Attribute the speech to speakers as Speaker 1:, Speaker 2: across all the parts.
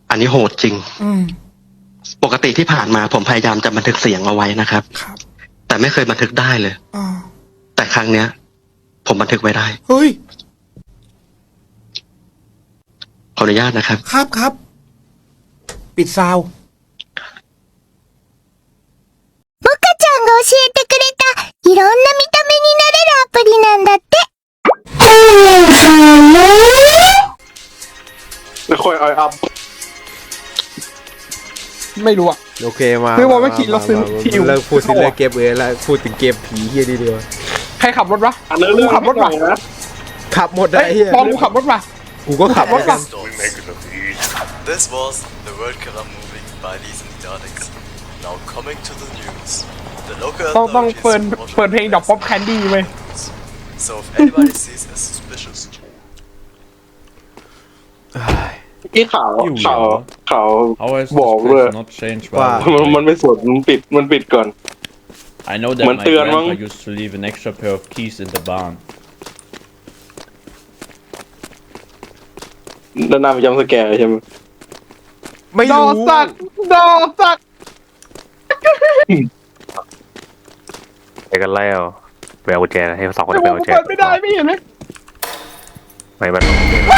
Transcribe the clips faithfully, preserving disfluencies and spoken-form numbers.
Speaker 1: อันนี้โหดจริง
Speaker 2: อืม
Speaker 1: ปกติที่ผ่านมาผมพยายามจะบันทึกเสียงเอาไว้นะครับ
Speaker 2: ครับ
Speaker 1: แต่ไม่เคยบันทึกได้เลย
Speaker 2: อ่า
Speaker 1: แต่ครั้งเนี้ย ผมบันทึกไว้ได้
Speaker 2: เฮ้ย
Speaker 1: ขออนุญาตนะครับ
Speaker 2: ครับครับ ปิดซาว
Speaker 3: モカちゃんが教えてくれたいろんな見た目になれるアプリなんだって。
Speaker 4: ไม่ค่อยเอาอัพ
Speaker 2: ไม่รู้อ่ะ
Speaker 5: โอเคมา
Speaker 2: คือบอกว่าขี่รถซื้อที่อยู่
Speaker 5: เลิกพูดถึงเรื่องเกมเอแล้วพูดถึงเกมผีเฮียดีดีกว่า
Speaker 2: ใครขับรถวะ
Speaker 4: อันนั้นเรื่อง
Speaker 2: กูขับรถว่ะ
Speaker 4: นะ
Speaker 5: ขับหมด
Speaker 2: เฮ้
Speaker 5: ไอ้
Speaker 2: ย
Speaker 5: เฮีย
Speaker 2: ตอนกูขับรถว่ะ
Speaker 5: กูก็ขับเหมือนกัน
Speaker 6: This was the World Cup movie by these idiotics. Now coming to the news. The local
Speaker 2: ต้องต้อง
Speaker 6: authorities
Speaker 2: เปิด
Speaker 6: reported
Speaker 2: เปิดเพลงดอกป๊อปแคนดี้เว้ย
Speaker 6: So if anybody sees a suspicious
Speaker 4: ที่ข่าวข่าวข่าว
Speaker 7: How has
Speaker 4: บอก
Speaker 7: this
Speaker 4: เลย
Speaker 7: place not changed
Speaker 5: Wow.
Speaker 7: while
Speaker 4: มันมันไม่สดมันปิดมันปิดก่อน
Speaker 7: I know that
Speaker 4: เหมือน
Speaker 7: my
Speaker 4: เตือนมั้ง
Speaker 7: grandpa used to leave an extra pair of keys in the barn.
Speaker 4: ด้านหน้าเป็นจำสแกร์ใช่ไหม
Speaker 5: ไม่
Speaker 2: ดอ
Speaker 5: รู้
Speaker 2: สักดอสัก
Speaker 8: ไปกันแล้วไปเอากุญแจให้สองคน
Speaker 2: ไม่
Speaker 8: ไป
Speaker 2: บอก
Speaker 8: เอากุญแจ
Speaker 2: กูเปิดไม่ได้ไม่เห็นไหม
Speaker 8: ไม่มัน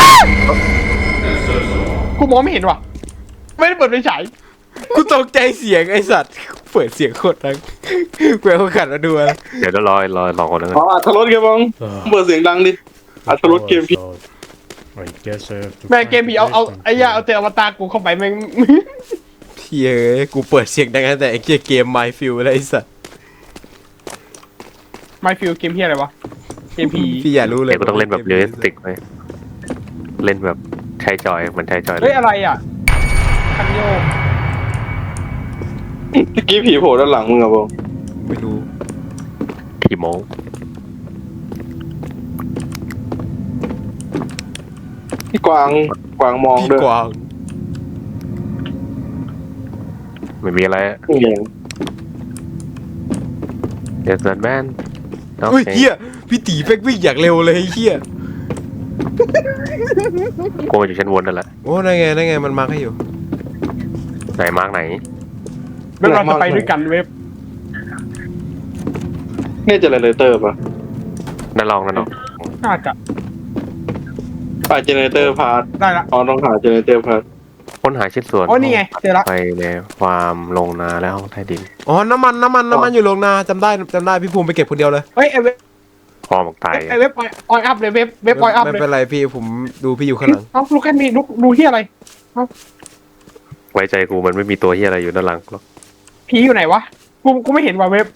Speaker 2: กูมองไม่เห็นว่ะ ไม่ได้เปิดไฟฉาย
Speaker 5: กูตกใจเสียงไอสัตว์เปิดเสียงโคตรดังกูเอาขันมาดูอะไร
Speaker 8: เดี๋ยวเดี๋ยวรอรอสองคนนึง
Speaker 4: อ๋ออัตรถเกมบ้างเปิดเสียงดังดิอัตรถเกมพี่
Speaker 7: I guess I have to
Speaker 2: แม่งเกมผีเอาเอาไอ้ย่าเอาแต่อวตารกูเข้าไปแม่ง
Speaker 5: เฮ้ยกูเปิดเสียงดังตั้งแต่ไอ้เกียเกม My Field แล้วไอ้สัตว์
Speaker 2: ไม่ฟิลเกมเฮียอะไรวะ เกมผี
Speaker 5: พี่อย่ารู้เลย
Speaker 8: เดี๋ยวกูต้องเล่นแบบเรียลลิสติกไหมเล่นแบบใช้จอยเหมือนใช้จอยเล
Speaker 2: เฮ้ย
Speaker 8: ย
Speaker 2: อะไรอ่ะ คันโยก
Speaker 4: เมื่อกี้ผีโผล่ด้านหลังมึงอะบง
Speaker 5: ไม่รู้
Speaker 8: ทีโม
Speaker 4: พี่กวางกวางมอง
Speaker 5: พี่
Speaker 4: ด้วย
Speaker 5: กวาง
Speaker 8: ไม่มีอะไร
Speaker 4: นี่เอง
Speaker 8: เดี๋ยวสันแมน
Speaker 5: เฮ้ยเฮียพี่ตีแม่งวิ่งอย่างเร็วเลยไอ้เฮีย
Speaker 8: กูมาอยู่ชั้นบนนั่นแหละ
Speaker 5: โอ้นั่นไงนั่นไงมันมาร์คให้อยู่
Speaker 8: ไหนมาร์กไหน
Speaker 2: เว็บเราจะไปด้วยกันเว็บ
Speaker 4: นี่เจเนเรเตอร์ป่ะ
Speaker 8: นั่นลองนั่นลอง
Speaker 2: น่าจะ
Speaker 4: อ่าเจเนเรเตอร์พาร์ท
Speaker 2: ได้ละ
Speaker 4: อ๋อต้องหาเจเนเรเตอร์พาร์ท
Speaker 8: ค้นหาชิ้นส่วน
Speaker 2: โอ้นี่ไงเจอละ
Speaker 8: ไปในฟาร์มลงนาและห้องใต้ดิน
Speaker 5: อ๋อน้ำมันน้ำมันน้ำมันอยู่โรงนาจำได้จำได้พี่ภูมิไปเก็บคนเดียวเลย
Speaker 2: เฮ้ยไอเว็บ
Speaker 8: พอหมกตาย
Speaker 2: ไอเว็บออยอัพเลยเว็บเว็บออยอัพ
Speaker 5: ไม่
Speaker 2: เลย
Speaker 5: เป็นไรพี่ผมดูพี่อยู่ข้างหลัง
Speaker 2: เอ้าลูกแค่มีลูกดูที่อะไร
Speaker 8: ไว้ใจกูมันไม่มีตัวที่อะไรอยู่ด้านหลังหรอก
Speaker 2: ผีอยู่ไหนวะ กูกูไม่เห็นว่ะเว็บ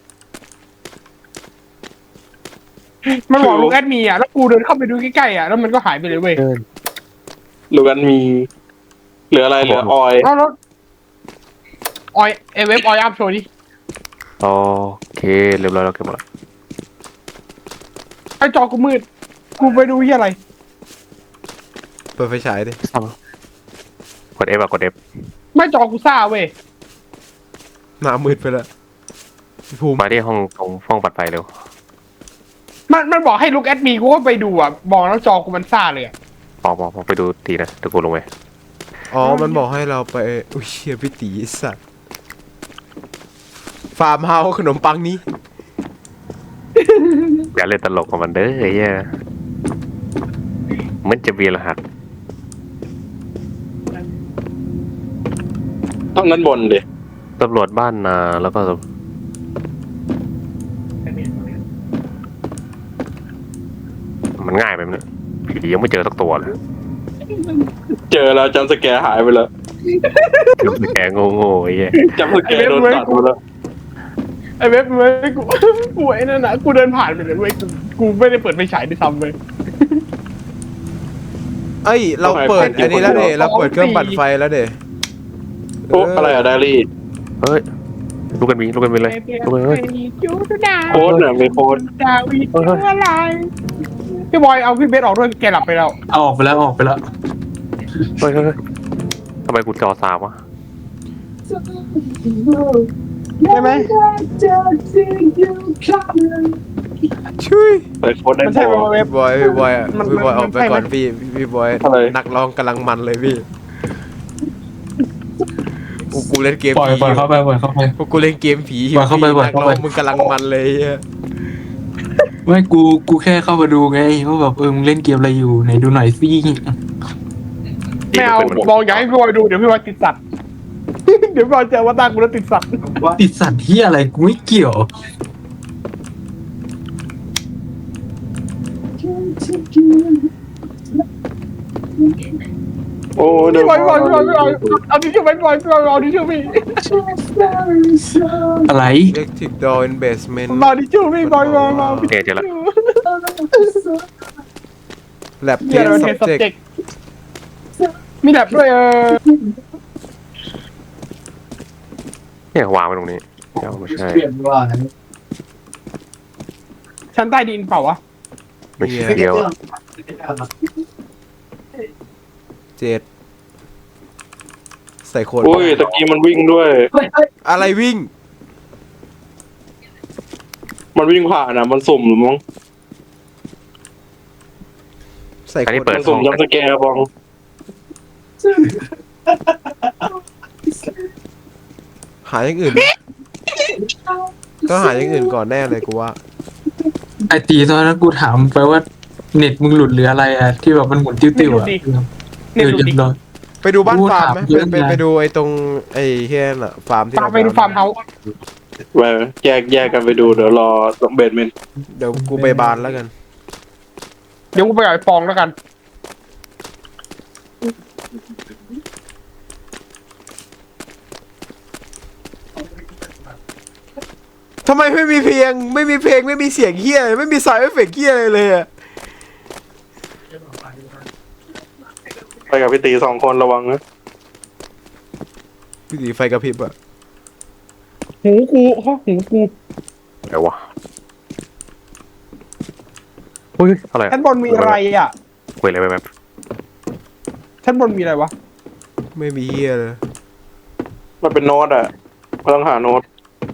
Speaker 2: มันบอกลูกแอดมีอ่ะ แล้วกูเดินเข้าไปดูใกล้ๆอ่ะ แล้วมันก็หายไปเลยเว้ย
Speaker 4: หรือกันมีเหลืออะไรเหลือออย
Speaker 2: เอ้าแล้วออยไอเว็บออยอัพโชว์ดิ
Speaker 8: โอเคเรียบร้อยแล้วเก็บหมดแล้ว
Speaker 2: ไอจอกูมืด กูไปดูที่อะไร
Speaker 5: เปิดไฟฉายดิ
Speaker 8: กด F อะกด F
Speaker 2: ไม่จอกูซ่าเว้ย
Speaker 5: หน้ามืดไปแล้วพี่ภูมิ
Speaker 8: มาที่ห้องตรงห้องปัดไฟเร็ว
Speaker 2: มันมันบอกให้ลูกแอดมีกูก็ไปดูอ่ะ บอกแล้วจอกูมันซ่าเลยอ่ะ
Speaker 8: ออกมาออกไปดูตีนะเดี๋ยวกูลงไป
Speaker 5: อ๋อมันบอกให้เราไปอุ้ยเชี่ยพี่ตีไอ้สัตว์ฟาร์มเฮาส์ขนมปังนี้
Speaker 8: อย่าเล่นตลกกับมันเด้อไอ้เหี้ยมันจะมีรหัส
Speaker 4: ต้องนั้นบนดิ
Speaker 8: ตำรวจบ้านนาแล้วก็มันง่ายไปมั้ยผียังไม่เจอสักตัวเลย
Speaker 4: เจอแล้วจำสแกร์หายไปแล้ว
Speaker 8: คือแกโง่ๆไอ้เหี้ย
Speaker 4: จำสแกร์โดนตัดไปแล้ว
Speaker 2: ไอเว็บเว้ยกู กูไอ้นั่นนะกูเดินผ่านไปเลยเว้ยกูกูไม่ได้เปิดไฟฉายด้วยซ้ำเว้ย
Speaker 5: เอ้ยเราเปิดอันนี้แล้วเดเราเปิดเครื่องปั่นไฟแล้วเด
Speaker 4: โอ้อะไรอะไดอารี่
Speaker 8: เฮ้ยลูกกันมีลูกกันมีเลยลูกกันเฮ้ย
Speaker 4: โค้ดเนี่ยมีโค้ด
Speaker 2: ดาวิดอะไรพี่บอยเอาพี่เบสออกด้วยแกหลับไปแล้ว
Speaker 9: เอาออกไปแล้วออกไปแล้ว
Speaker 8: เฮ้ยเฮ้ยเฮ้ยทำไมกูจอสามวะ
Speaker 2: ใช่ไหม
Speaker 5: ช่วย
Speaker 4: เปิดโค้ดได้
Speaker 2: มัน
Speaker 4: พ
Speaker 2: ใช่
Speaker 4: อ
Speaker 2: ป่ะเว็บ
Speaker 5: พี่บอยพี่บอยอะ
Speaker 2: มัน
Speaker 5: พี่บอย
Speaker 2: มัน
Speaker 5: ออกไป
Speaker 2: ใช่ไหม
Speaker 5: ก่อนพี่พี่บอย
Speaker 4: อะไร
Speaker 5: นักร้องกำลังมันเลยพี่กูเล่นเกม
Speaker 9: ปล่อย
Speaker 5: ผี
Speaker 9: ปล่อยเข้าไปปล่อยเข้าไป
Speaker 5: พวกกูเล่นเกมผี
Speaker 9: ปล่อยเข้าไปปล่อย
Speaker 5: นัก
Speaker 9: เข้า
Speaker 5: ร้
Speaker 9: ไป
Speaker 5: องมึงกำลังมันเลยอะ
Speaker 9: ไม่กูกูแค่เข้ามาดูไงว่าแบบเออมึงเล่นเกมอะไรอยู่ไหนดูหน่อยสิ
Speaker 2: ไม่เอาบองอยากให้พี่บอยดูเดี๋ยวพี่บอยติดสัตว์ เดี๋ยวพี่บอยเจอว่าตากูแล้วติดสัตว์
Speaker 9: ติดสัตว์ที่อะไรกูไม่เกี่ยว
Speaker 4: โอ้เดี๋ย
Speaker 2: พี่
Speaker 4: ว
Speaker 2: บอยพี่บอยพี่บอยพี่บอยเอาดิชื่อพี่บอยพี่บอยเอาดิชื่อพี่
Speaker 9: อะไร
Speaker 5: เล็กทิกดออินเบสเมนต์
Speaker 2: มาดิชื่อพี่บอยมามา
Speaker 8: เนี่ยเจอละ
Speaker 5: แลบเท
Speaker 2: เดี๋ย
Speaker 5: ส
Speaker 2: ว
Speaker 5: ซั
Speaker 2: เท
Speaker 5: บ
Speaker 2: ส
Speaker 5: เจก
Speaker 2: เจกมีแบบด้วยเออ
Speaker 8: เนี่ยวางไว้ตรงนี้เดี๋ยวไม่ใช่
Speaker 2: ชั้นใต้ดินเปล่าวะ
Speaker 8: ไม่ใช่เดียวอะ
Speaker 5: เจ็ดใส่โคน
Speaker 4: โอ้ยตะกี้มันวิ่งด้วย
Speaker 5: อะไรวิ่ง
Speaker 4: มันวิ่งผ่านอ่ะมันสุ่มหรือมั้ง
Speaker 5: ใส่
Speaker 8: อัน
Speaker 5: โค
Speaker 8: นี้
Speaker 5: น
Speaker 8: เปิด
Speaker 4: มันสุ่มยับสแกร์บอง
Speaker 5: หาอย่างอื่นต้องหาอย่างอื่นก่อนแน่เลยกูว่า
Speaker 9: ไอตีตอนนั้นกูถามไปว่าเน็ตมึงหลุดหรืออะไรอะที่แบบมันหมุนติ้วๆอะเอ
Speaker 2: เนี่ย
Speaker 9: อ
Speaker 2: ดู
Speaker 9: เรีย
Speaker 2: ดิ
Speaker 9: บร้อย
Speaker 5: ไปดูบ้านฟาร์มไหม
Speaker 9: กูถาม
Speaker 5: ไป
Speaker 9: เยอะ
Speaker 5: ไป
Speaker 9: นะ
Speaker 5: ไปดูไอ้ตรงไอ้เฮียน่ะฟาร์มที่
Speaker 2: ฟาร์ม
Speaker 5: เรา
Speaker 2: ไปดูฟาร์มเฮาส์
Speaker 4: ไปแยกแยกกันไปดูเดี๋ยวรอเบดเมนต์
Speaker 5: เดี๋ยวกูไปบานแล้วกัน
Speaker 2: เดี๋ยวกูไปกับไอ้ปองแล้วกัน
Speaker 5: ทำไมไม่มีเพลงไม่มีเพลงไม่มีเสียงเฮียไม่มีสายเอฟเฟกต์เฮียอะไรเลยอะ
Speaker 4: ไปกับพี่ตีสองคนระวังนะ
Speaker 5: พี่สีไฟกระพริบอะ
Speaker 2: หูกูฮะหูกู
Speaker 8: เดี๋ยววะเฮ้ยอะไร
Speaker 2: ชั้นบนมีอะไรอ่ะ
Speaker 8: คุยอะไรไปแบบ
Speaker 2: ชั้นบนมีอะไรวะ
Speaker 5: ไม่มีเฮียเลย
Speaker 4: มันเป็นโน้ตอ่ะก็ต้องหาโน้ต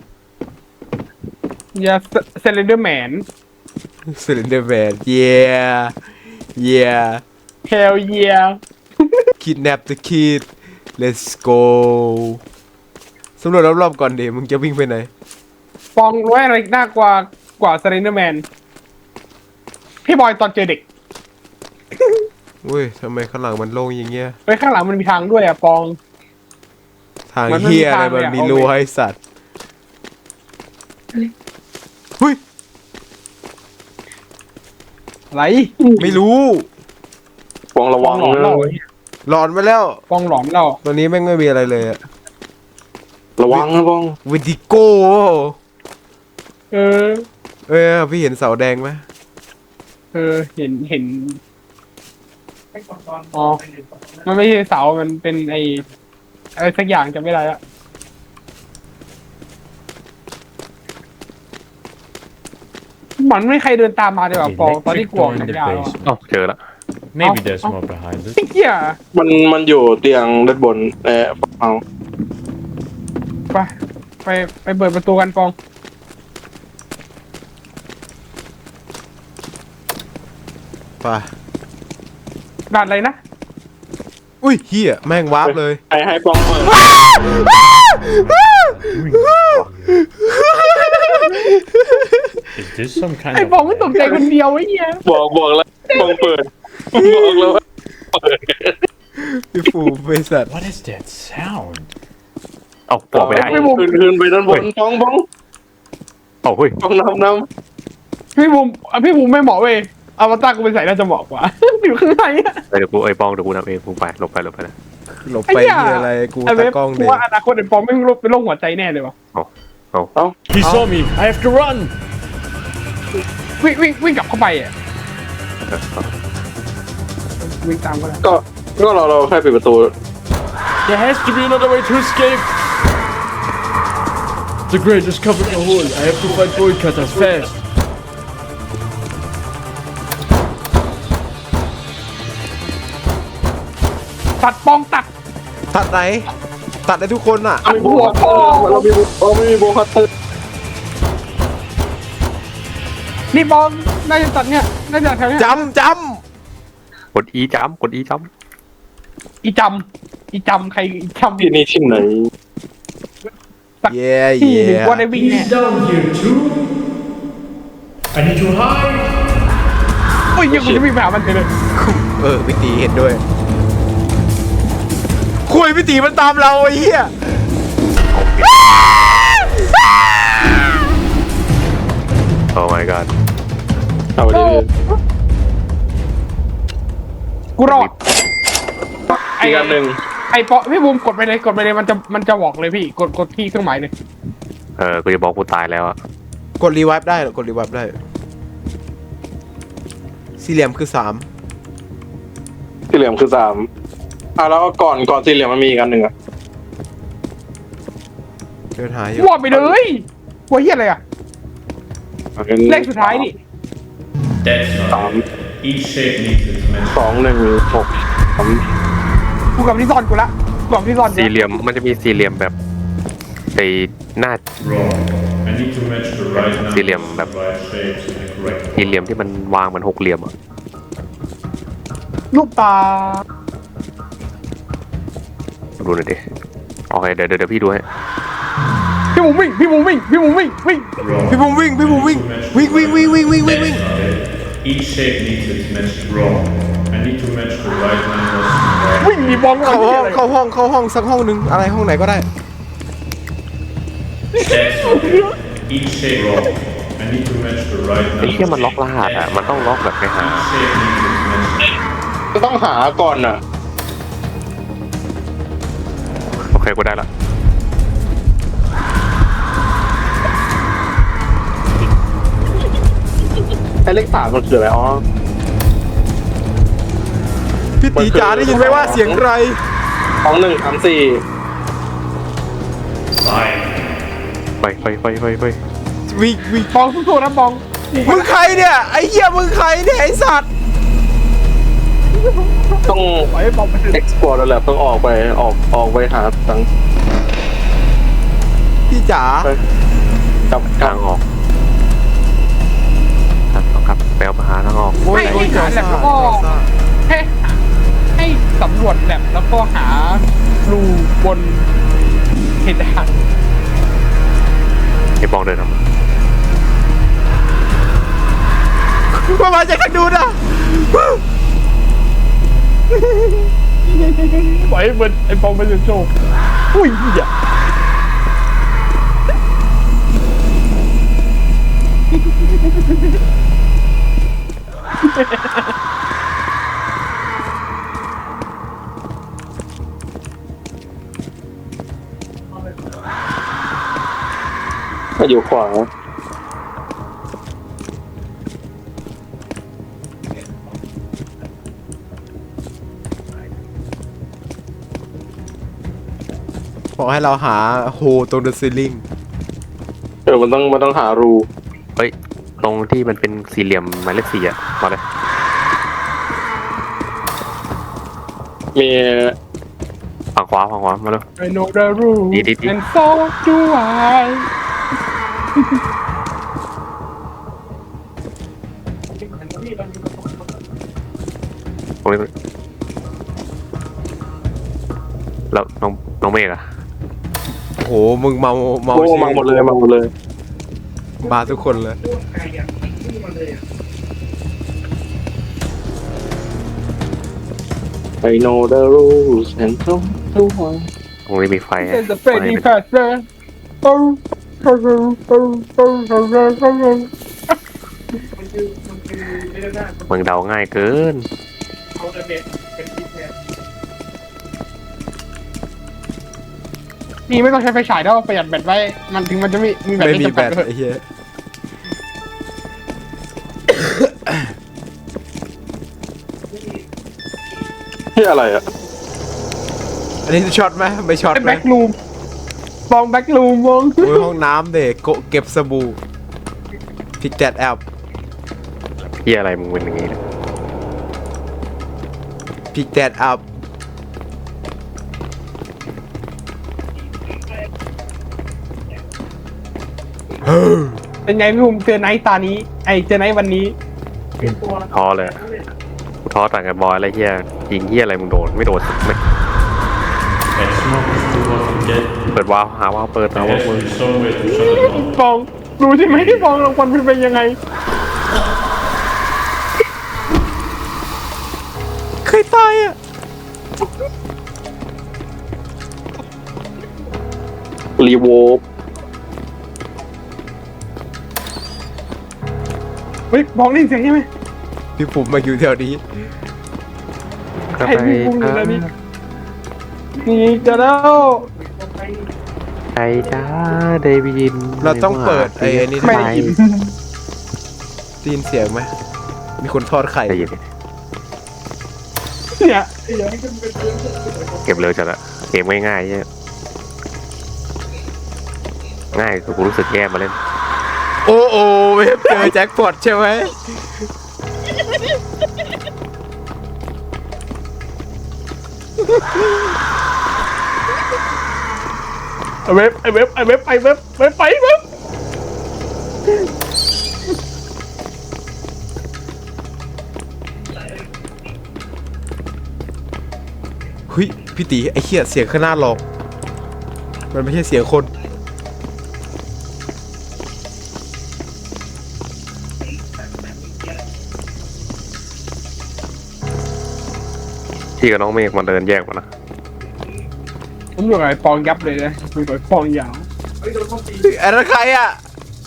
Speaker 2: ยาเซเลนเดอร์แมน
Speaker 5: สเลนเดอร์แมนเย้เย้
Speaker 2: เฮลเยีย
Speaker 5: kidnap the kid let's go สำรวจรอบๆก่อนเดี๋ยวมึงจะวิ่งไปไหน
Speaker 2: ปองรู้อะไรน่ากว่ากว่าเซเลนเดอร์แมนพี่บอยตอนเจอเด็ก
Speaker 5: อุ้ยทำไมข้างหลังมันโล่งอย่างเงี้ย
Speaker 2: เฮ้ยข้างหลังมันมีทางด้วยอ่ะปอง
Speaker 5: ทาง
Speaker 2: มันไม่
Speaker 5: เฮีย
Speaker 2: มี
Speaker 5: อะไร
Speaker 2: ทาง
Speaker 5: มัน
Speaker 2: เลยอะ
Speaker 5: มี
Speaker 2: เอา
Speaker 5: รู
Speaker 2: ไป
Speaker 5: ให้สัตว์เฮ้ย
Speaker 2: อะไร
Speaker 5: ไม่รู้
Speaker 4: ปองระ
Speaker 2: ป
Speaker 4: วั
Speaker 2: อง
Speaker 4: ง
Speaker 2: หลอน
Speaker 4: นะ
Speaker 2: เรา
Speaker 5: หลอนไปแล้ว
Speaker 2: ปองหลอนเรา
Speaker 5: ตอนนี้แม่งไม่มีอะไรเลยอะ
Speaker 4: ระวังนะปอง
Speaker 5: วิดิโก้
Speaker 2: เออ
Speaker 5: เออพี่เห็นเสาแดงไหม
Speaker 2: เออเห็นเห็นอ๋อมันไม่ใช่เสามันเป็นไออะไรสักอย่างจำไม่ได้ละมันไม่มีใครเดินตามมาเลยว่ะ
Speaker 7: The
Speaker 2: ปองตอนที่
Speaker 7: electric
Speaker 2: กลัว
Speaker 7: door
Speaker 2: มัน
Speaker 7: in the
Speaker 2: ยาวอะ
Speaker 7: basement.
Speaker 8: อ๋อเจอละ
Speaker 7: Maybe
Speaker 2: Oh,
Speaker 7: there's
Speaker 2: oh.
Speaker 7: more behind it.
Speaker 2: ไอ้เหี้ย
Speaker 4: มันมันอยู่เตียงด้านบนเออเอา
Speaker 2: ไปไปไปเปิดประตูกันปอง
Speaker 5: ไป
Speaker 2: ด่านอะไรนะ
Speaker 5: อุ้ยเฮียแม่งวาร์ปเลย
Speaker 4: ให้ให้ปองเปิด
Speaker 7: Is this some kind
Speaker 2: ไอ้
Speaker 7: of
Speaker 2: ปองไม่ตกใจคนเดียวไอ้เหี้ย
Speaker 4: บอกบอกแล้วปองเปิดบอกแล้วว่าเปิด
Speaker 5: พี่ฟูบริษัท
Speaker 7: What is that sound?
Speaker 8: เอาปอกไม่ได้
Speaker 4: ขึ้นขึ้นไปด้านบนปองปอง
Speaker 8: เอาเฮ้ย
Speaker 4: ปองน้ำน้
Speaker 2: พี่บูมอ่ะพี่บูมไม่เหมาะเว้ยอวตารกูไปใส่น่าจะเหมาะกว่า อยู่ข้างในอะ
Speaker 8: เดี๋ยวกูไอ้ปองเดี๋ยวกูทำเองกูไปหลบไปหลบไปนะ
Speaker 5: หลบไปเฮียอะไรกู
Speaker 2: ไอ้เว็
Speaker 5: ตา
Speaker 2: บ
Speaker 5: กล้อง
Speaker 2: กู
Speaker 5: เด็ก
Speaker 2: ว่าอนาคตไอ้ปองไม่งเป็นโรคหัวใจแน่เลยวะ
Speaker 7: He saw me. I have to run.
Speaker 2: วิ่งวิ่งวิ่งกลับเข้าไปอ่ะวิ่งตามก็ได้
Speaker 4: ำก็ก็เราเราแค่ปิดประตู
Speaker 7: There has to be another way to escape. The grate is covered in a hole. I have to find bolt cutters fast.
Speaker 2: ตัดปองตัด
Speaker 5: ตัดไหน ตัดได้ทุกคนอ่ะ
Speaker 4: มีบัวพ่อเรามีเราไม่มีบัวคัตเตอร์
Speaker 2: นี่ปองน่าจะตัดเนี่ยน่าจะแถวเนี้ย
Speaker 5: จำจ
Speaker 8: กดอีจ้ำกดอีจ้
Speaker 2: อีจำอีจำใครอีจำ
Speaker 4: ที่นี่ที่ไหน
Speaker 5: ำ
Speaker 2: สัก
Speaker 5: เย่
Speaker 2: ที่หนึ่ง
Speaker 5: เย่
Speaker 2: ว่าได้วิ่งแน่
Speaker 7: Down here too. I need to hide.
Speaker 2: โอ้ยยังกูจะวิ่งไปหามันเลย
Speaker 5: เออพี่ตีเห็นด้วยคุยพี่ตีมันตามเราไอ้เหี้ย
Speaker 8: โอ้ my god
Speaker 4: เอาไปดิ
Speaker 2: กูรอด
Speaker 4: อีกอันหนึ่ง
Speaker 2: ไอ้ปอพี่บูมกดไปเลยกดไปเลยมันจะมันจะบอกเลยพี่กดกดที่เครื่องหมายเลย
Speaker 8: เออกูจะบอกกูตายแล้วอะ
Speaker 5: กดรีไวฟ์ได้เหรอกดรีไวฟ์ได้สี่เหลี่ยมคือสาม
Speaker 4: สี่เหลี่ยมคือสามอ่ะแล้วก็ก่อนก่อนสี่เหลี่ยมมันมีอีกอันหนึ่งอ่ะ
Speaker 5: เดินหาอยู่
Speaker 2: วอดไปเลยหัวเหี้ยอะไรอ่ะเลขสุดท้ายนี่
Speaker 7: That's not
Speaker 4: Um,
Speaker 7: it. Each shape needs its
Speaker 4: สองหนึ่งหกสาม
Speaker 2: กูกลับที่ซ่อนกูละกูกลับที่ซ่อน
Speaker 8: สี่เหลี่ยมมันจะมีสี่เหลี่ยมแบบไอ้หน้า
Speaker 7: wrong. I need to match the right numbers,
Speaker 8: สี่เหลี่ยมแบบ
Speaker 7: the right shapes in the correct
Speaker 8: สี่เหลี่ยมที่มันวางเหมือนหกเหลี่ยมอะ
Speaker 2: ลูกตา
Speaker 8: ดูหน่อยดิโอเคเดี๋ยวเดี๋ยวเดี๋ยวพี่ดูให้
Speaker 2: พี่บูมวิ่งพี่บูมวิ่งพี่บูมวิ่งวิ่ง
Speaker 7: wrong.
Speaker 5: พี่บุ้มวิ่งพี่บุ้มวิ่งวิ่งวิ่งวิ่งวิ่งวิ่งวิ่งวิ่ง
Speaker 7: That's not it. Each shape needs its matched wrong. I need to match the right numbers, the right
Speaker 2: วิ่งมีบอล
Speaker 5: เข้าห้องเข้าห้องเข้าห้องสักห้องหนึ่งอะไรห้องไหนก็ได้
Speaker 7: That's not it. Each shape wrong. I need to match the right
Speaker 8: ไอ้
Speaker 7: numbers.
Speaker 8: เหี้ยมันล็อกรหัสอะมันต้องล็อกแบบไปหา
Speaker 7: Each shape needs its matched.
Speaker 4: ก็ต้องหาก่อนอ่ะ
Speaker 8: โอเคกูได้ละ
Speaker 4: ไอ้เลขสามมันคืออะไรอ๋อ
Speaker 5: พี่ตีจ๋าได้ยินไหมว่าเสียงใคร
Speaker 4: สองหนึ่งสามสี่
Speaker 7: Five.
Speaker 8: ไปไปไปไปไป
Speaker 5: วิ่งวิ่ง
Speaker 2: บองสู้ๆนะบอง
Speaker 5: มึงใครเนี่ยไอ้เหี้ยมึงใครเนี่ยไอ้สัตว์
Speaker 4: ต้อง
Speaker 2: ปล่อยให้บองไปเถอะ
Speaker 4: export แล้วแหละต้องออกไปออกออกไปหาตัง
Speaker 5: พี่จ๋า
Speaker 4: กับ
Speaker 8: ทางออกทางออกครับไปเอามาหาทางออก
Speaker 5: โอ้ย
Speaker 2: ให้
Speaker 5: โอ้ย
Speaker 2: ให้หาแลบแล้วก็ให้ให้สำรวจแลบแล้วก็หารูบนเพดาน
Speaker 8: ไอ้บองเดินทำ
Speaker 5: มามาจากทางนู้นอ่ะ
Speaker 2: ปล่อยให้มันไอ้บองไปโชว์อุ้ยเหี้ย
Speaker 4: มาอยู่ขวา
Speaker 5: บอกให้เราหาโฮตรงเดอะซีลิง
Speaker 4: เออมันต้องมันต้องหารู
Speaker 8: เฮ้ยตรงที่มันเป็นสี่เหลี่ยมหมายเลขสี่อะมาเลย
Speaker 4: มี
Speaker 8: ฝั่งขวาฝั่งขวามาเลย
Speaker 2: I know the rules
Speaker 8: ดีดีดี
Speaker 2: and so do I
Speaker 8: ตรงนี้แล้วน้องน้องเมฆอะ
Speaker 5: โอ้โหมึงเมาเมา
Speaker 4: โอ้มาหมดเลยมาหมดเลย
Speaker 5: มาทุกคนเลย
Speaker 4: I know the rules and so do I
Speaker 8: ตรงนี้มีไฟฮะ
Speaker 2: It's the
Speaker 8: ไฟ
Speaker 2: Freddy
Speaker 8: เป็น
Speaker 2: Fazbear Oh oh oh oh oh oh oh
Speaker 8: มึงเดาง่ายเกิน
Speaker 2: นี่ไม่ต้องใช้ไฟฉายแล้วประหยัดแบตไว้ มันถึงมันจะมีมีแบต
Speaker 5: ไม่
Speaker 2: ไม่
Speaker 5: มี
Speaker 2: จำ
Speaker 5: แบ
Speaker 2: กัด
Speaker 5: ต
Speaker 2: ด้วย
Speaker 5: ไอ้เหี้ย
Speaker 4: ที่อะไรอ่ะ
Speaker 5: อันนี้ช็อตไหมไม่ช็อต
Speaker 2: เป็น
Speaker 5: ไหม
Speaker 2: แบ็กรูมมองแบ็กรูมมอง
Speaker 5: โอ้ยห้องน้ำเด็กโกะเก็บสบู่พิกแดดแอป
Speaker 8: เฮียอะไรมึงเป็นอย่างงี้เนี่ย
Speaker 5: พิกแดดแอป
Speaker 2: เป็นไงพี่ภูมิเจอไนท์ตานี้ ไอเจอไนท์วันนี้
Speaker 8: ท้อเลยอะกูท้อต่างกับบอยอะไรเฮียยิงเฮียอะไรมึงโดนไม่โดนสักเม็ด
Speaker 7: That smoke is too hot. get
Speaker 8: เปิดวาล์วหาวาล์วเปิดหาวาล์ว
Speaker 7: there
Speaker 8: เปิด
Speaker 7: has to be some way to shut it off.
Speaker 2: ฟองรู้ใช่ไหมที่ฟองรางวัลมันเป็นยังไง
Speaker 5: เคยตายอ่ะ
Speaker 4: รีโวฟ
Speaker 2: เฮ้ยฟองได้ยินเสียงใช่ไหม
Speaker 5: พี่ปุ่มมาอยู่แถวนี้
Speaker 8: ก็
Speaker 2: ใคร
Speaker 8: ไป
Speaker 2: มีพุงอยู่แล้วนี่นี่จะแล้ว
Speaker 8: ใครจ้าได้ยิน
Speaker 5: เราต้องเปิดไอ้ไอ้นี่
Speaker 2: ไม่
Speaker 5: ได้
Speaker 2: ได้ยิน
Speaker 5: ได้ยินเสียงไหมมีคนทอดไข่
Speaker 8: ได้ยิน
Speaker 2: เนี่ย
Speaker 8: เก็บเร็วจัดอะเกมง่ายๆเนี่ยง่ายกูรู้สึกแย่มาเล่น
Speaker 5: โอ้โอ้เว็บเจอแจ็คพอตใช่ไหม
Speaker 2: ไอเว็บไอเว็บไอเว็บไอเว็บเว็บไปเว็บ
Speaker 5: เฮ้ยพี่ตีไอ้เหี้ยเสียงข้างหน้าหลอกมันไม่ใช่เสียงคน
Speaker 8: พี่กับน้องเมฆมาเดินแยกมานะ
Speaker 2: ผมอยู่กับไอฟองยับเลยนะอยู่กับไอ้ฟองยาว
Speaker 5: อันนั้นใครอ่ะ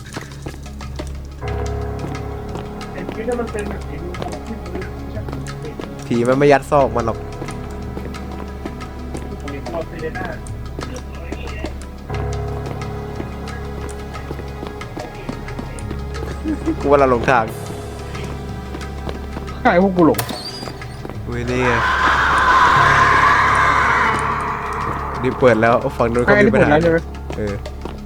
Speaker 5: ผีมันไม่ยัดซอกมันหรอก กูว่าเราหลงทาง
Speaker 2: ใครพวกกูหลง
Speaker 5: เว้ยนี่ไงนี่เปิดแล้วฝั่งนู้น
Speaker 2: ใคร
Speaker 5: ก็มี
Speaker 2: ที่
Speaker 5: ปั
Speaker 2: ผ
Speaker 5: ญ
Speaker 2: ม
Speaker 5: หา
Speaker 2: แล้วใช่ไหม
Speaker 5: เออ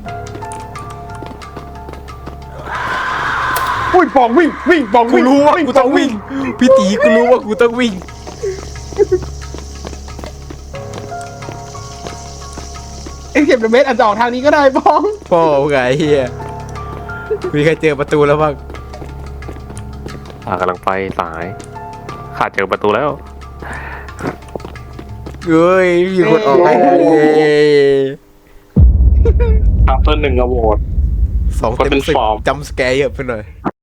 Speaker 2: อุ้ยฟองวิ่งวิ่งฟอง
Speaker 5: กู
Speaker 2: วิ่ง
Speaker 5: รู้ว่ากูต้องวิ่ง พี่ตีกูรู้ว่ากูต้องวิ่ง
Speaker 2: ไอ้เก็บเดอะเมสอาจจะออกทางนี้ก็ได้ฟอง
Speaker 5: พ่อไงเฮียมีใครเจอประตูแล้วบ้าง
Speaker 8: อ่ากำลังไปสายขาดเจอประตูแล้ว
Speaker 5: เฮ้ยมีคนออกไปแล้วเย้
Speaker 4: อัพเตอร์หนึ่งอะโหวต
Speaker 5: สอง
Speaker 4: ก็
Speaker 5: เต็ม
Speaker 4: เป็น
Speaker 5: สิบ
Speaker 4: ฟอร์ม
Speaker 5: จำสแกร์เยอะไปหน่อย